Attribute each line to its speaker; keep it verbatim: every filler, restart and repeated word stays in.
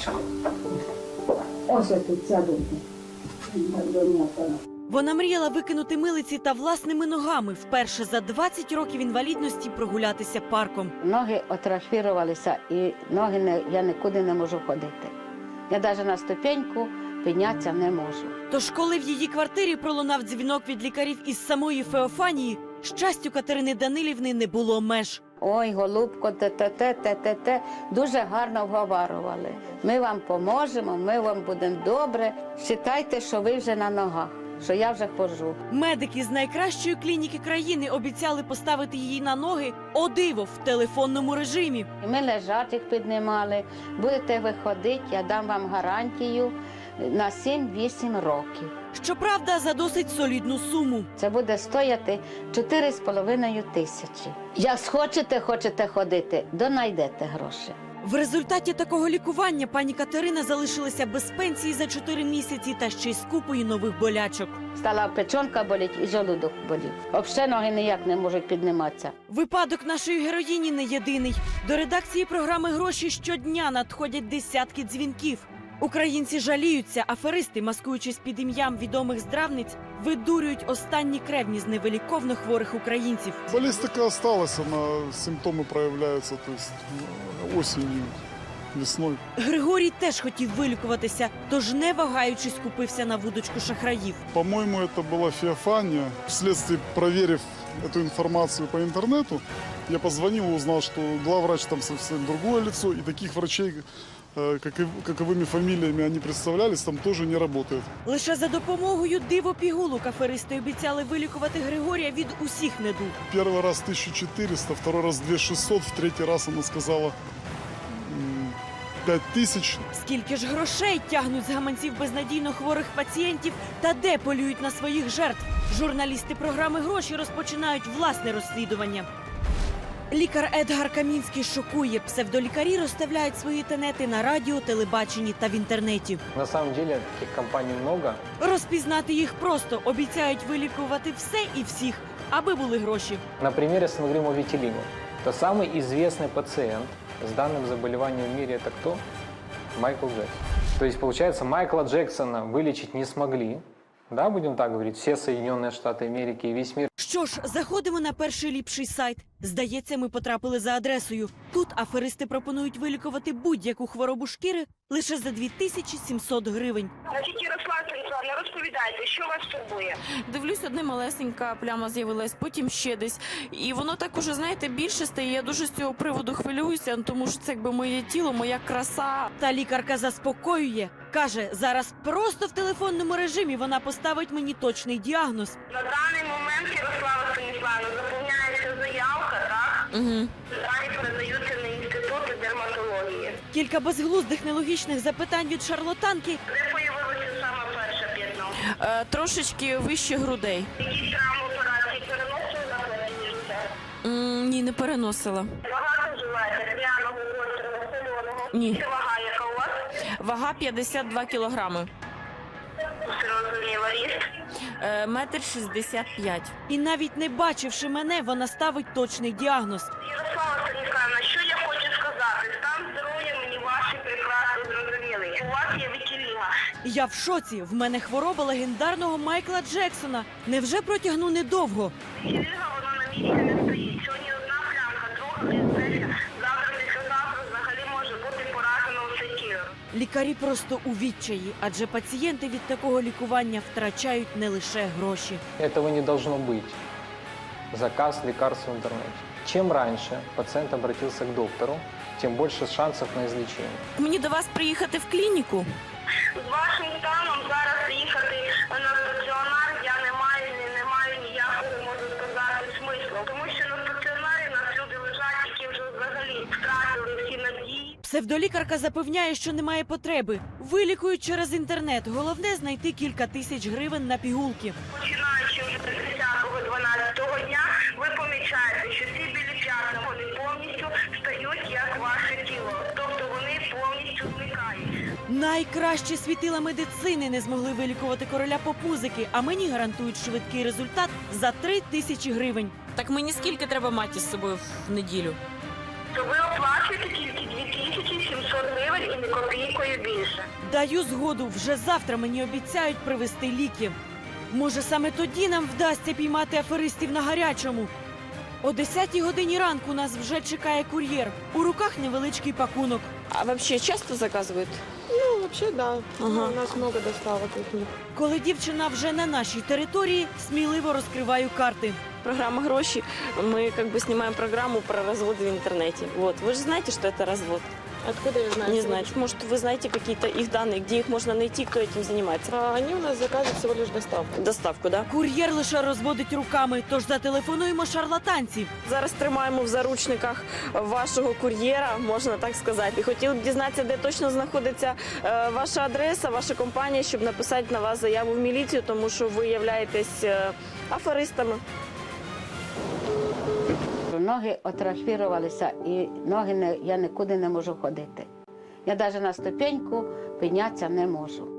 Speaker 1: Ось тут садити.
Speaker 2: Вона мріяла викинути милиці та власними ногами вперше за двадцять років інвалідності прогулятися парком.
Speaker 1: Ноги атрофірувалися і ноги не, я нікуди не можу ходити. Я навіть на ступеньку піднятися не можу.
Speaker 2: Тож, коли в її квартирі пролунав дзвінок від лікарів із самої Феофанії, щастю Катерини Данилівни не було меж.
Speaker 1: Ой, голубко, те-те-те, те-те-те, дуже гарно вговарували. Ми вам поможемо, ми вам будемо добре. Вважайте, що ви вже на ногах, що я вже ходжу.
Speaker 2: Медики з найкращої клініки країни обіцяли поставити її на ноги, о диво, в телефонному режимі.
Speaker 1: Ми лежачих піднімали, будете виходити, я дам вам гарантію на сім-вісім років.
Speaker 2: Щоправда, за досить солідну суму.
Speaker 1: Це буде стояти чотири з половиною тисячі. Як схочете, хочете ходити, донайдете гроші.
Speaker 2: В результаті такого лікування пані Катерина залишилася без пенсії за чотири місяці та ще й з купою нових болячок.
Speaker 1: Стала печонка боліти і желудок болів. Взагалі ноги ніяк не можуть підніматися.
Speaker 2: Випадок нашої героїні не єдиний. До редакції програми «Гроші» щодня надходять десятки дзвінків. Українці жаліються, аферисти, маскуючись під ім'ям відомих здравниць, видурюють останні кревні з невиліковно хворих українців.
Speaker 3: Болезнь така осталась, она, симптомы проявляются, то есть осенью, весной.
Speaker 2: Григорій теж хотів вилікуватися, тож не вагаючись купився на вудочку шахраїв.
Speaker 3: По-моему, это была Феофания. Вследствие, проверив эту информацию по интернету, я позвонил и узнал, что главврач там совсем другое лицо, и таких врачей, как и, каковыми фамилиями они представлялись, там тоже не работает.
Speaker 2: Лише за допомогою диво-пігулок аферисти обіцяли вилікувати Григорія від усіх недуг.
Speaker 3: Первый раз тысячу четыреста, второй раз две тысячи шестьсот, в третий раз она сказала пять тысяч.
Speaker 2: Скільки ж грошей тягнуть з гаманців безнадійно хворих пацієнтів та де полюють на своїх жертв? Журналісти програми «Гроші» розпочинають власне розслідування. Лікар Едгар Камінський шокує. Псевдолікарі розставляють свої тенети на радіо, телебаченні та в інтернеті.
Speaker 4: На самом деле таких компаний много.
Speaker 2: Розпізнати їх просто. Обіцяють вилікувати все і всіх, аби були гроші.
Speaker 4: На примере с Ангримо Витилино. То самый известный пациент с данным заболеванием в мире это кто? Майкл Джексон. То есть, получается, Майкла Джексона вылечить не смогли. Да, будем так говорить, все Соединенные Штаты Америки и весь мир.
Speaker 2: Що ж, заходимо на перший ліпший сайт. Здається, ми потрапили за адресою. Тут аферисти пропонують вилікувати будь-яку хворобу шкіри лише за дві тисячі сімсот гривень.
Speaker 5: Значить, Ярослав Станіславовна, розповідайте, що вас турбує?
Speaker 6: Дивлюсь, одна малесенька пляма з'явилась, потім ще десь. І воно так уже, знаєте, більше стає. Я дуже з цього приводу хвилююся, тому що це якби моє тіло, моя краса.
Speaker 2: Та лікарка заспокоює. Каже, зараз просто в телефонному режимі вона поставить мені точний діагноз.
Speaker 5: На даний момент, Ярослава Станіславовна, заповняється заявка, так?
Speaker 6: Угу.
Speaker 5: Дані передаються на інститут дерматології.
Speaker 2: Кілька безглуздих нелогічних запитань від шарлатанки.
Speaker 5: Де появилося саме перше п'ятно?
Speaker 6: Е, трошечки вище грудей.
Speaker 5: Які травми операції переносили на платіжця?
Speaker 6: М, ні, не переносила.
Speaker 5: Багато вживаєте пряного, гострого, соленого?
Speaker 6: Ні.
Speaker 5: Це вага, яка у вас?
Speaker 6: Вага п'ятдесят два кілограми.
Speaker 5: Зрозуміло, ріст?
Speaker 6: Е, метр шістдесят п'ять.
Speaker 2: І навіть не бачивши мене, вона ставить точний діагноз.
Speaker 5: Ярослава Станіславовна, що я хочу сказати? Стан здоров'я мені ваші прекрасно зрозуміли. У вас є вітіліга.
Speaker 2: Я в шоці. В мене хвороба легендарного Майкла Джексона. Невже протягну недовго?
Speaker 5: Вітіліга, вона на місці не стоїть. Сьогодні одна плямка, друга пізниця. Завтра, післязавтра взагалі може бути поражено усе тіло.
Speaker 2: Лікарі просто у відчаї, адже пацієнти від такого лікування втрачають не лише гроші.
Speaker 4: Этого не должно быть. Заказ лекарств в интернете. Чем раньше пациент обратился к доктору, тем больше шансов на излечение.
Speaker 6: Мені до вас приїхати в клініку?
Speaker 5: З вашим станом зараз їхати на стаціонар я не маю, не, не маю ніякого, можу сказати, смислу. Тому що на стаціонарі нас люди лежать, які вже взагалі втратили всі надії.
Speaker 2: Псевдолікарка запевняє, що немає потреби. Вилікують через інтернет. Головне – знайти кілька тисяч гривень на пігулки.
Speaker 5: Починаючи вже з десятого-дванадцятого дня, ви помічаєте, що ці білі п'ятна, вони повністю стають як ваше тіло. Тобто вони повністю зникають.
Speaker 2: Найкращі світила медицини не змогли вилікувати короля поп-музики, а мені гарантують швидкий результат за три тисячі гривень.
Speaker 6: Так мені скільки треба мати з собою в неділю?
Speaker 5: То ви оплачуєте тільки дві тисячі сімсот гривень і не копійку Дякую більше.
Speaker 2: Даю згоду, вже завтра мені обіцяють привезти ліки. Може, саме тоді нам вдасться піймати аферистів на гарячому. О десятій годині ранку нас вже чекає кур'єр. У руках невеличкий пакунок.
Speaker 6: А взагалі часто заказують?
Speaker 7: Ну, вообще, да.
Speaker 6: Ага.
Speaker 7: У нас много доставок от них.
Speaker 2: Коли дівчина вже на нашій території, сміливо розкриваю карти.
Speaker 6: Программа «Гроши». Мы как бы снимаем программу про развод в интернете. Вот. Вы же знаете, что это развод?
Speaker 7: Откуда я знаю?
Speaker 6: Не
Speaker 7: что
Speaker 6: знаете. Может, вы знаете какие-то их данные, где их можно найти, кто этим занимается?
Speaker 7: А они у нас заказывают всего лишь доставку.
Speaker 6: Доставку, да?
Speaker 2: Кур'єр лише розводить руками, тож зателефонуємо шарлатанці.
Speaker 6: Зараз тримаємо в заручниках вашого кур'єра, можна так сказати. І хотіли б дізнатися, де точно знаходиться е, ваша адреса, ваша компанія, щоб написати на вас заяву в міліцію, тому що ви являєтесь е, аферистами.
Speaker 1: Ноги атрофірувалися і ноги не, я нікуди не можу ходити. Я навіть на ступеньку піднятися не можу.